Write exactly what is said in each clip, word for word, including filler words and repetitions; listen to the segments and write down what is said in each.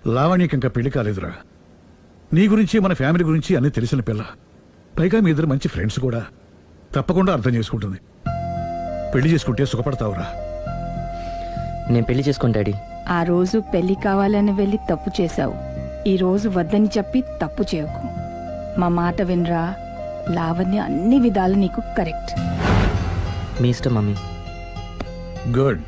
లావణ్యకి ఇంకా పెళ్లి కాలేదురా. నీ గురించి మన ఫ్యామిలీ గురించి అన్నీ తెలిసిన పిల్ల. పైగా మీ ఇద్దరు మంచి ఫ్రెండ్స్ కూడా. తప్పకుండా అర్థం చేసుకుంటుంది. పెళ్లి చేసుకుంటే సుఖపడతావురా. నేను పెళ్లి చేసుకోను డాడీ. ఆ రోజు పెళ్లి కావాలని వెళ్ళి తప్పు చేశావు. ఈ రోజు వద్దని చెప్పి తప్పు చేయకు. మా మాట వినరా. లావణ్య అన్ని విధాలు నీకు కరెక్ట్. మీ ఇష్టం మమ్మీ. గుడ్.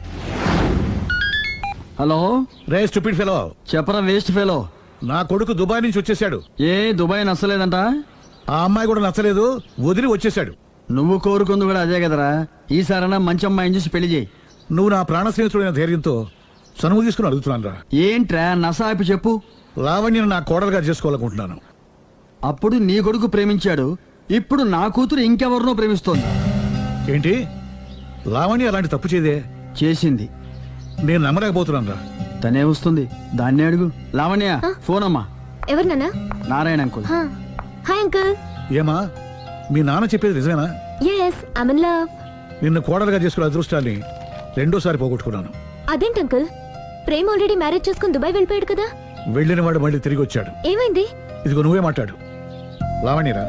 హలో రే స్టూపిడ్ ఫెలో. చెప్పరా వేస్ట్ ఫెలో. నా కొడుకు దుబాయ్ నుంచి వచ్చేసాడు. ఏ దుబాయ్ నచ్చలేదంట? ఆ అమ్మాయి కూడా నచ్చలేదు, వదిలి వచ్చేసాడు. నువ్వు కోరుకుంది కూడా అదే కదరా. ఈసారైనా మంచి అమ్మాయిని చూసి పెళ్లి చేయి. నువ్వు నా ప్రాణ స్నేహితుడైన ధైర్యంతో చనువు తీసుకుని అడుగుతున్నాను రా. ఏంట్రా నసాపి చెప్పు. లావణ్యను నా కోడలుగా చేసుకోవాలనుకుంటున్నాను. అప్పుడు నీ కొడుకు ప్రేమించాడు, ఇప్పుడు నా కూతురు ఇంకెవరినో ప్రేమిస్తోంది. ఏంటి? లావణ్య అలాంటి తప్పు చేయదే. చేసింది. నేను నమ్మలేకపోతున్నాను రా. తనే వస్తుంది, దాన్నే అడుగు. లావణ్య ఫోన్ అమ్మా. ఎవరు నాన్న? నారాయణ అంకుల్. Hi uncle. ఏమా మీ నాన్న చెప్పేది నిజమేనా? yes i'm in love. నిన్ను కోడలుగా చేసుకునే అదృష్టాన్ని రెండోసారి పోగొట్టుకున్నాను. అదేంటి అంకుల్, ప్రేమ్ ఆల్రెడీ మ్యారేజ్ చేసుకుని దుబాయ్ వెళ్ళిపోయాడు కదా. వెళ్ళిన వాడు మళ్ళీ తిరిగి వచ్చాడు. ఏమైంది? ఇదిగో నువ్వే మాట్లాడు. లావణ్యరా.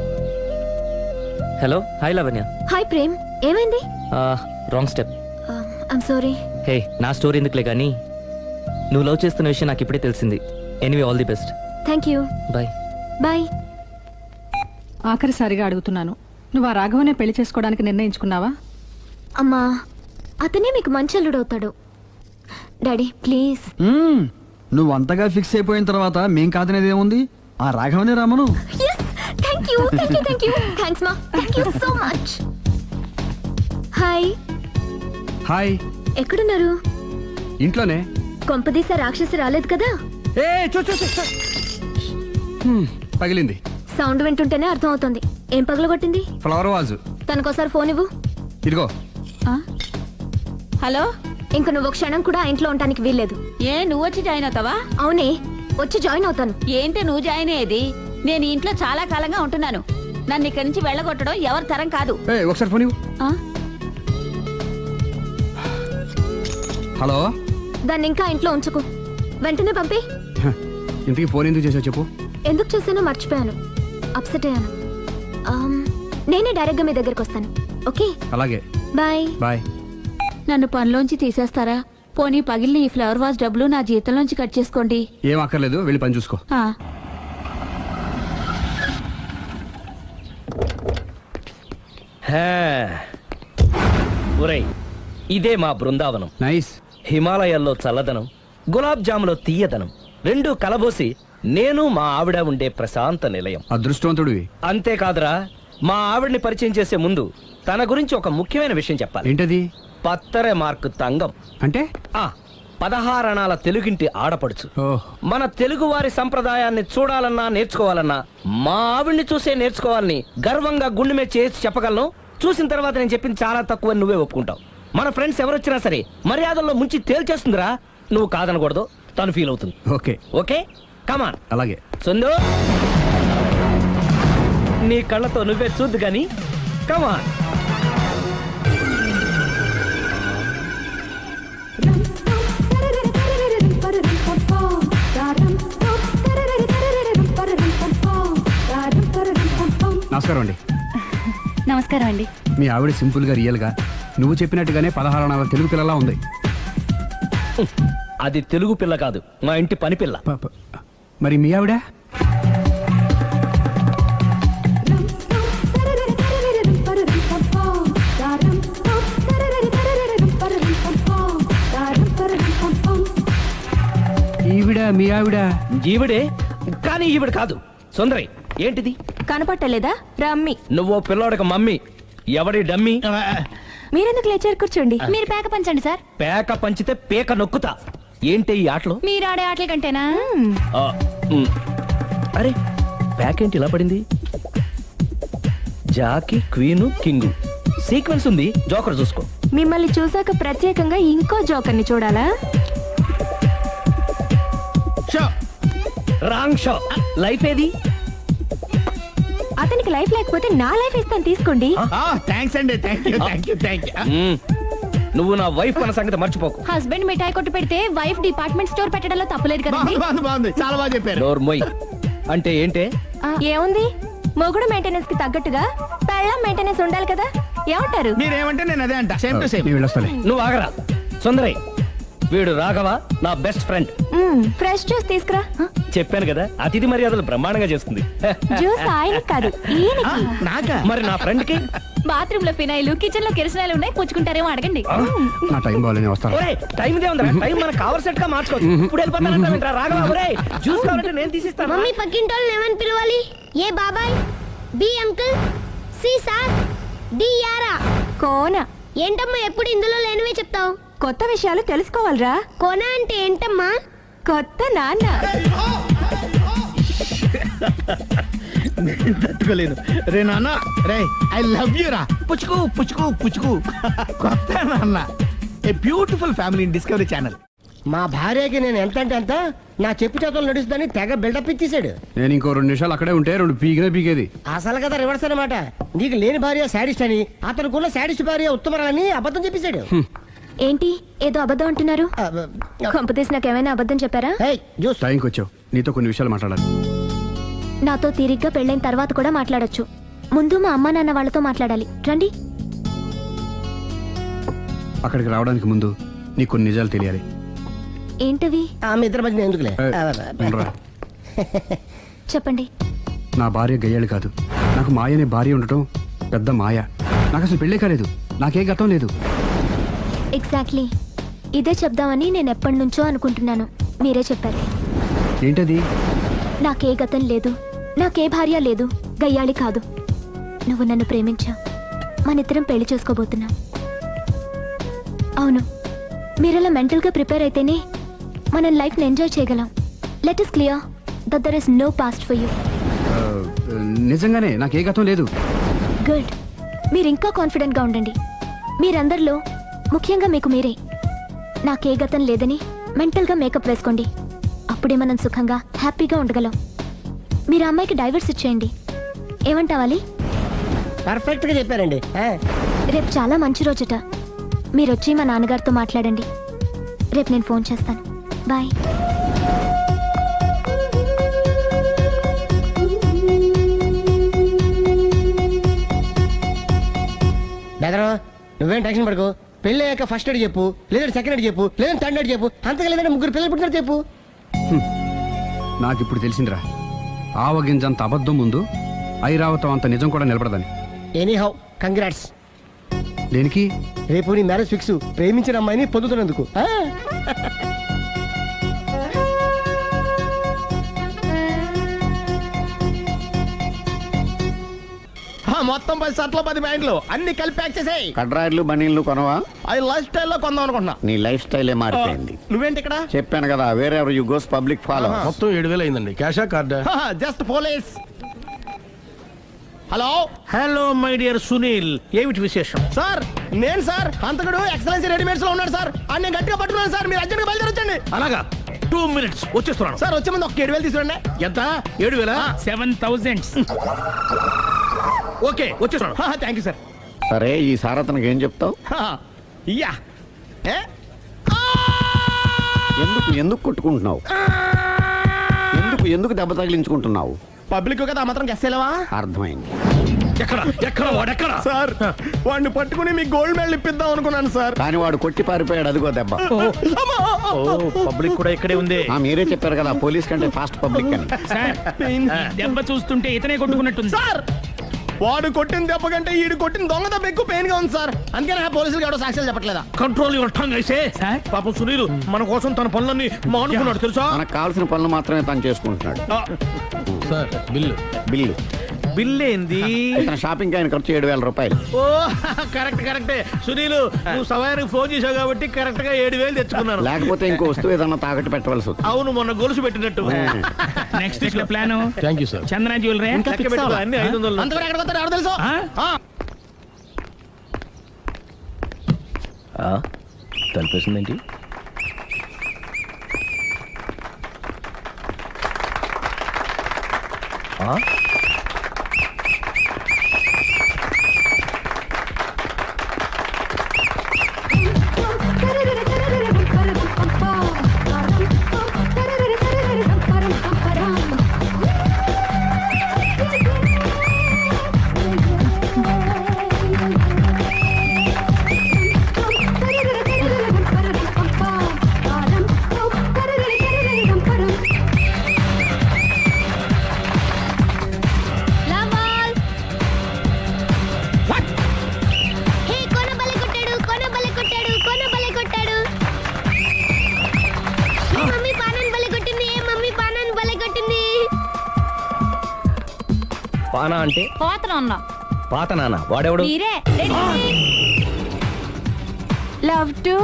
Hello. Hi Lavanya. Hi Prem, ఏమైంది? Wrong step. I'm sorry. Hey నా స్టోరీ ఎందుకులే కానీ నువ్వు లవ్ చేస్తున్న విషయం నాకు ఇప్పుడే తెలిసింది. Anyway all the best. Thank you. Bye. Bye. ఆఖరిసారిగా అడుగుతున్నాను, నువ్వు ఆ రాఘవనే పెళ్లి చేసుకోవడానికి నిర్ణయించుకున్నావా? అమ్మా, అతనే మీకు మంచి అల్లుడు అవుతాడు. Daddy please. మ్మ్. నువ్వు అంతగా ఫిక్స్ అయిపోయిన తర్వాత మేం కాదనేది ఏముంది? ఆ రాఘవనే రామను. Thank you thank you thank you thanks మా. Thank you so much. Hi. Hi. ఎక్కడున్నారు? ఇంట్లోనే. కొంపదీసా రాక్షసి రాలేదు కదా? ఏ చూ చూ చూ, చూ. హ్మ్, పగిలింది. సౌండ్ వింటుంటేనే అర్థం అవుతుంది. ఏం పగలగొట్టింది? Flower vase. తనకోసారి ఫోన్ ఇవ్వు. ఇదిగో. హలో. ఇంక నువ్వు క్షణం కూడా ఆ ఇంట్లో ఉండడానికి వీల్లేదు. ఏ నువ్వు వచ్చి జాయిన్ అవుతావా? అవునే, వచ్చి జాయిన్ అవుతాను. ఏంటి నువ్వు జాయిన్ అయ్యేది? నేను ఈ ఇంట్లో చాలా కాలంగా ఉంటున్నాను. నన్ను ఇక్కడి నుంచి వెళ్ళగొట్టడం ఎవరి తరం కాదు. ఏ ఒకసారి ఫోన్ ఇవ్వు. ఆ? హలో. దాన్ని ఇంకా ఇంట్లో ఉంచుకో. వెంటనే పంపి. హ, ఇంతకీ ఫోన్ ఎందుకు చేసావు చెప్పు. ఎందుకు చేశానో మర్చిపోయాను. అప్సెట్ అయ్యాను. ఆమ్, నేనే డైరెక్ట్ గా మీ దగ్గరకు వస్తాను. ఓకే అలాగే. బాయ్. బాయ్. నన్ను పనిలోంచి తీసేస్తారా? పోనీ పగిలిన ఈ ఫ్లవర్ వాజ్ డబ్బులు నా జీతంలోంచి కట్ చేసుకోండి. ఏం అక్కర్లేదు, వెళ్ళి పని చూసుకో. ఆ. ఒరేయ్, ఇదే మా బృందావనం. నైస్. హిమాలయాల్లో చల్లదనం, గులాబ్ జాములో తీయదనం రెండు కలబోసి నేను మా ఆవిడ ఉండే ప్రశాంత నిలయం. అదృష్టవంతుడివి. అంతేకాదురా, మా ఆవిడ్ని పరిచయం చేసే ముందు తన గురించి ఒక ముఖ్యమైన విషయం చెప్పాలి. ఏంటది? పత్తరె మార్కు తంగం అంటే ఆ పదహారణాల తెలుగింటి ఆడపడుచు. ఓహ్. మన తెలుగు వారి సంప్రదాయాన్ని చూడాలన్నా నేర్చుకోవాలన్నా మా ఆవిడ్ని చూసే నేర్చుకోవాలని గర్వంగా గుండె మీద చేసి చెప్పగలను. చూసిన తర్వాత నేను చెప్పింది చాలా తక్కువ నువ్వే ఒప్పుకుంటావు. మన ఫ్రెండ్స్ ఎవరొచ్చినా సరే మర్యాదల్లో ముంచి తేల్చేస్తుందిరా. నువ్వు కాదనకూడదు, తను ఫీల్ అవుతుంది. Okay okay come on. అలాగే. సుందు, నీ కళ్ళతో నువ్వే చూద్దు గాని కమాన్. నమస్కారం అండి. నమస్కారం అండి. మీ ఆవిడ సింపుల్ గా రియల్ గా నువ్వు చెప్పినట్టుగానే పదహారు నాలుగు తెలుగు పిల్లలా ఉంది. అది తెలుగు పిల్ల కాదు, మా ఇంటి పని పిల్ల. ప- ప- మరి మీ ఆవిడ? ఈవిడ మీ ఆవిడ? ఈవిడే, కానీ ఈవిడ కాదు. సుందరి, ఏంటిది కనపట్టలేదా? రమ్మి. నువ్వు పిల్లోడికి మమ్మీ. ఎవడి డమ్మీ? మీరెందుకు లేచారు? కూర్చోండి. మీరు పేక పంచండి సార్. పేక పంచితే పేక నొక్కుతా. ఏంటి ఈ ఆటలు? మీరు ఆడే ఆటల కంటేనా? ఆ, ఉమ్. అరే పేక ఏంటి ఇలా పడింది? జాకి, క్వీను, కింగు సీక్వెన్స్ ఉంది. జోకర్ చూసుకో. మిమ్మల్ని చూసాక ప్రత్యేకంగా ఇంకో జోకర్ని చూడాలా? Wrong show. లైఫ్ ఏది? అతనికి లైఫ్ లేకపోతే నా లైఫ్ ఇస్తాను, తీసుకోండి. థ్యాంక్స్ అండి. Thank you thank you thank you. మ్మ్. నువ్వు నా వైఫ్ అన్న సంగతి మర్చిపోకు. హస్బెండ్ మిఠాయి కొట్టు పెడితే వైఫ్ డిపార్ట్మెంట్ స్టోర్ పెట్టడంలో తప్పులేదు కదండి. బాగుంది బాగుంది చాలా బాగా చెప్పారు. నోరు మొయ్. అంటే ఏంటే? ఏముంది, మొగుడు మెయింటెనెన్స్ కి తగ్గట్టుగా పెళ్ళం మెయింటెనెన్స్ ఉండాలి కదా. ఏమంటారు? మీరేమంటే నేను అదే అంట సేమ్ టు సేమ్. నేను వెళ్ళొస్తాలే. నువ్వు ఆగరా సుందరై. వీడు రాఘవ నా బెస్ట్ ఫ్రెండ్. ఫ్రెష్ జ్యూస్ తీసుకురా. చెప్పాను కదా అతిథి మర్యాదలు బ్రహ్మాండంగా చేస్తుంది. జ్యూస్ ఆయనకి కాదు ఈయనకి. నాకా? మరి నా ఫ్రెండ్ కి? బాత్రూమ్ లో ఫినాయిల్, కిచెన్ లో కిరసనాయిలు ఉన్నాయి, పుచ్చుకుంటారేమో అడగండి. నా టైం బాగాలేని వస్తాను. ఒరే టైం ఇదే ఉందా? టైం మనకు కవర్ సెట్ గా మార్చుకోవచ్చు. ఇప్పుడు వెళ్ళిపోతానంటా రాఘవ. ఒరే జ్యూస్ కావాలంటే నేను తీసిస్తాను. మమ్మీ పక్కింటోళ్ళని ఏమని పిలవాలి? ఏ బాబాయ్, B uncle, C sir, D యారా. కోన. ఏంటమ్మా ఎప్పుడు ఇందులో లేనివే చెప్తావు? కొత్త విషయాలు తెలుసుకోవాలరా. కోన అంటే ఏంటమ్మా? కొత్త నాన్న. తట్టుకోలేదు రే నాన్న. రే ఐ లవ్ యూ రా. పుచ్చుకు పుచ్చుకు పుచ్చుకు. కొత్త నాన్న. A beautiful family in Discovery channel. మా భార్యకి నేను ఎంత అంటే అంత నా చెప్పు చేతులు నడుస్తుందని తెగ బిల్డప్ ఇచ్చేసాడు. నేను ఇంకో రెండు నిమిషాలు అక్కడే ఉంటే రెండు పీకినే పీకేది. అసలు కదా రివర్స్ అనమాట. నీకు లేని భార్య శాడిస్ట్ అని, అతనుకున్న శాడిస్ట్ భార్య ఉత్తమరాలని అబద్ధం చెప్పేశాడు. ఏంటి ఏదో అబద్ధం అంటున్నారు? కొంపతీసి నాకేమైనా అబద్ధం చెప్పారా? ఏయ్, జ్యూస్. టైంకి వచ్చావు, నీతో కొన్ని విషయాలు మాట్లాడాలి. నాతో తీరిగ్గా పెళ్ళైన తర్వాత కూడా మాట్లాడొచ్చు. ముందు మా అమ్మా నాన్న వాళ్ళతో మాట్లాడాలి. రండి. అక్కడికి రావడానికి ముందు నీకు కొన్ని నిజాలు తెలియాలి. ఏంటవి? ఆమె ఇద్దరి మధ్య ఎందుకులే. ఏయ్, ఉండరా. చెప్పండి. నా భార్య గయ్యాళి కాదు. నాకు మాయ అనే భార్య ఉండటం పెద్ద మాయ. నాకు అసలు పెళ్ళే కాలేదు. నాకే గతం లేదు. ఎగ్జాక్ట్లీ ఇదే చెప్దామని నేను ఎప్పటి నుంచో అనుకుంటున్నాను. మీరే చెప్పారు. ఏంటది? నాకే గతం లేదు, నాకే భార్య లేదు, గయ్యాళి కాదు. నువ్వు నన్ను ప్రేమించావు, మనిద్దరం పెళ్లి చేసుకోబోతున్నాం. అవును, మీరలా మెంటల్గా ప్రిపేర్ అయితేనే మనం లైఫ్ని ఎంజాయ్ చేయగలం. Let us clear that there is no past for you. ఆ, నిజంగానే నాకే గతం లేదు. గుడ్. మీరు ఇంకా కాన్ఫిడెంట్గా ఉండండి. మీరందరిలో ముఖ్యంగా మీకు మీరే. నాకే గతం లేదని మెంటల్గా మేకప్ వేసుకోండి. అప్పుడే మనం సుఖంగా హ్యాపీగా ఉండగలం. మీరు ఆ అమ్మాయికి డైవర్స్ ఇచ్చేయండి. ఏమంటావాలి? పర్ఫెక్ట్ గా చెప్పారండి. ఆ, రేపు చాలా మంచి రోజుట. మీరు వచ్చి మా నాన్నగారితో మాట్లాడండి. రేపు నేను ఫోన్ చేస్తాను. బాయ్. బెదరు నువ్వేం టెన్షన్ పడకు. పెళ్ళి అయ్యాక ఫస్ట్ ఎయిడ్ చెప్పు, లేదంటే సెకండ్ ఎయిడ్ చెప్పు, లేదంటే థర్డ్ ఎయిడ్ చెప్పు. అంతగా లేదంటే ముగ్గురు పిల్లలు పుట్టినట్టు చెప్పు. నాకు ఇప్పుడు తెలిసిందిరా, ఆవగింజంత అబద్ధం ముందు ఐరావతం అంత నిజం కూడా నిలబడదని. Any how congrats. దేనికి? రేపు నీ మ్యారేజ్ ఫిక్స్. ప్రేమించిన అమ్మాయిని పొందుతున్నందుకు. ఆ? ఆ, మొత్తం పది షర్ట్లు పది ప్యాంట్లు అన్ని కలిపి ప్యాక్ చేసేయ్. కడ్రాయిలు బనీళ్లు కొనవా? అది లైఫ్ స్టైల్లో కొందాం అనుకుంటున్నా. నీ లైఫ్ స్టైలే మారిపోయింది. నువ్వేంటి ఇక్కడ? చెప్పాను కదా, వేరే ఎవరు యు గోస్ పబ్లిక్ ఫాలో. మొత్తం ఏడు వేలు అయిందండి. క్యాషా కార్డా? Just police. Hello hello my dear Sunil, ఏమిటి విశేషం? సార్, నేను సార్ అంతకుడు ఎక్సలెన్సీ రెడీమేడ్స్ లో ఉన్నాడు సార్. అని నేను గట్టిగా పట్టుకున్నాను సార్. మీరు అర్జెంట్గా బయలుదేరొచ్చండి. అలాగా, టూ మినిట్స్ వచ్చేస్తున్నాను. సార్ వచ్చే ముందు ఒక ఏడు వేలు తీసుకురండి. ఎంత? ఏడు వేల సెవెన్ థౌజండ్. ఓకే వచ్చేస్తున్నాను. Thank you sir. సరే, ఈ సార్ అతనికి ఏం చెప్తావు? యా ఏ? ఎందుకు ఎందుకు కొట్టుకుంటున్నావు? ఎందుకు ఎందుకు దెబ్బ తగిలించుకుంటున్నావు? పబ్లిక్ కదా ఆ మాత్రం గెస్సేలేవా? అర్థమైంది. ఎక్కడ ఎక్కడ వాడెక్కడ? సార్, వాడిని పట్టుకుని మీకు గోల్డ్ మెడల్ ఇప్పిద్దాం అనుకున్నాను సార్. కానీ వాడు కొట్టి పారిపోయాడు. అదిగో దెబ్బ. పబ్లిక్ కూడా ఇక్కడే ఉంది. ఆ, మీరే చెప్పారు కదా పోలీస్ కంటే ఫాస్ట్ పబ్లిక్ అని. దెబ్బ చూస్తుంటే ఇతనే కొట్టుకున్నట్టుంది. సార్, వాడు కొట్టిన దెబ్బ కంటే ఈడు కొట్టిన దొంగ దెబ్బ ఎక్కువ పెయిన్ గా ఉంది సార్. అందుకని ఆ పోలీసులు ఎవడో సాక్ష్యాలు చెప్పట్లేదా? కంట్రోల్ యువర్ టంగ్ అయితే. పాపం సునీల్ మన కోసం తన పనులన్నీ మానుకున్నాడు తెలుసా? మనకు కావాల్సిన పనులు మాత్రమే తను చేసుకుంటున్నాడు. సార్ బిల్లు బిల్లు బిల్ ఏంది? ఇతను షాపింగ్ ఆయన ఖర్చు ఏడు వేల రూపాయలు. ఓ కరెక్ట్ కరెక్టే సునీల్, నువ్వు సమయానికి ఫోన్ చేసావు కాబట్టి కరెక్ట్ గా ఏడు వేలు తెచ్చుకున్నాను. లేకపోతే ఇంకో వస్తువు ఏదన్నా తాకట్టు పెట్టవలసి వస్తుంది. అవును, మొన్న గొలుసు పెట్టినట్టు. నెక్స్ట్ వీక్ లో plan. Thank you sir. Chandana jewellery అన్ని ఐదు వందలు. అంతవరకు ఎక్కడ పోతారు ఎవరు తెలుసు? తలిపేసిందేంటి? పానా అంటే పోతన ఉన్నా పాత నాన్న వాడెవడు మీరే రెడీ? లవ్ టు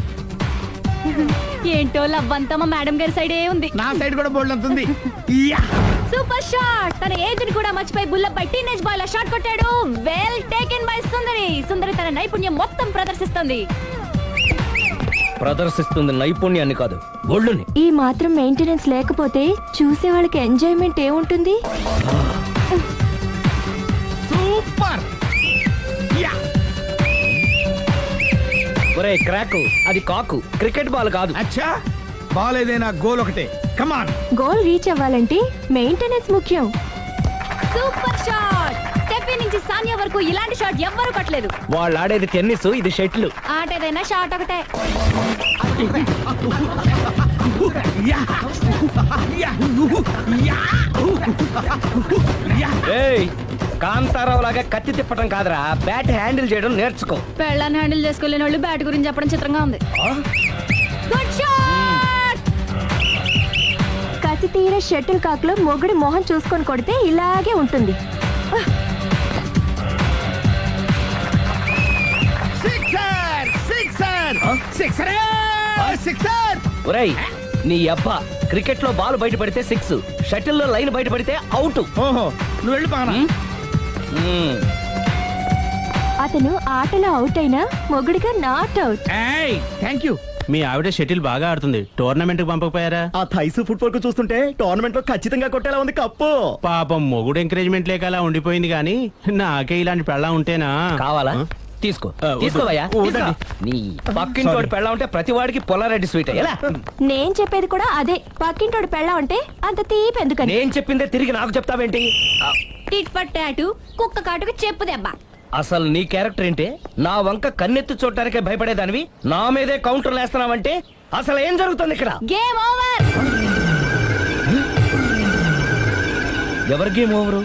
ఏంటో లవ్ అంతా మా మేడం గారి సైడే ఉంది. నా సైడ్ కూడా బోల్డ్ అంతుంది యా సూపర్ షాట్. తన ఏజ్ ని కూడా మర్చిపోయి బుల్లపై టీనేజ్ బాయ్ లా షాట్ కొట్టాడు. Well taken by Sundari. Sundari తన నైపుణ్యం మొత్తం ప్రదర్శిస్తుంది. ప్రదర్శిస్తుంది నైపుణ్యాన్ని కాదు, ఒళ్ళుని. ఈ మాత్రం మెయింటెనెన్స్ లేకపోతే చూసే వాళ్ళకి ఎంజాయ్మెంట్ ఏముంటుంది? సూపర్ యా ఒరే క్రాకు, అది కాకు, క్రికెట్ బాల్ కాదు. అచ్చా బాల్ ఏదైనా గోల్ ఒకటే. కమాన్. గోల్ రీచ్ అవ్వాలంటే మెయింటెనెన్స్ ముఖ్యం. Super shot. స్టెఫీ నుంచి సానియా వరకు ఇలాంటి షాట్ ఎవ్వరూ కొట్టలేదు. వాళ్ళు ఆడేది టెన్నిస్, ఇది షటిల్. ఆట ఏదైనా షాట్ ఒకటే. యా యా యా యా ఏయ్, కాంతారావు లాగా కత్తి తిప్పటం కాదురా, బ్యాట్ హ్యాండిల్ చేయడం నేర్చుకో. పెళ్ళాన్ని హ్యాండిల్ చేసుకోలేని వాళ్ళు బ్యాట్ గురించి చెప్పడం చిత్రంగా ఉంది. Good shot. కసి తీర షటిల్ కాక్ లో మొగుడి మొహం చూసుకొని కొడితే ఇలాగే ఉంటుంది. Sixer sixer sixer sixer. ఒరేయ్ నీ అబ్బా, క్రికెట్ లో బాల్ బయట పడితే సిక్స్, షటిల్ లో లైన్ బయట పడితే అవుట్. ఓహో నువ్వు వెళ్ళి పానా. అతను ఆటలో అవుట్ అయినా మొగుడిగా నాట్ అవుట్. ఏయ్ థ్యాంక్ యూ. మీ ఆవిడ షటిల్ బాగా ఆడుతుంది, టోర్నమెంట్ కి పంపకపోయారా? ఆ థైస్ ఫుట్బాల్ కు చూస్తుంటే టోర్నమెంట్ లో ఖచ్చితంగా కొట్టేలా ఉంది కప్పు. పాపం మొగుడు ఎంకరేజ్మెంట్ లేక అలా ఉండిపోయింది గానీ నాకే ఇలాంటి పెళ్ళా ఉంటేనా? కావాలా? ఆ? తీసుకో ఆ, వద్దు. తీసుకోవయ్యా. వద్దండి. తీసుకో. నీ పక్కింటోడి పెళ్ళ ఉంటే ప్రతి వాడికి పొలారెడ్డి స్వీట్ ఎలా? నేను చెప్పేది కూడా అదే. పక్కింటోడు పెళ్ళా ఉంటే అంత తీపి ఎందుకని? నేను చెప్పిందే తిరిగి నాకు చెప్తావేంటి? ఆ, టిట్ ఫర్ టాటు, కుక్క కాటుకు చెప్పు దెబ్బ. అసలు నీ క్యారెక్టర్ ఏంటి? నా వంక కన్నెత్తి చూడటానికే భయపడేదానివి నా మీదే కౌంటర్ వేస్తున్నావంటే అసలు ఏం జరుగుతుంది ఇక్కడ? Game over. ఎవరి గేమ్ ఓవరు?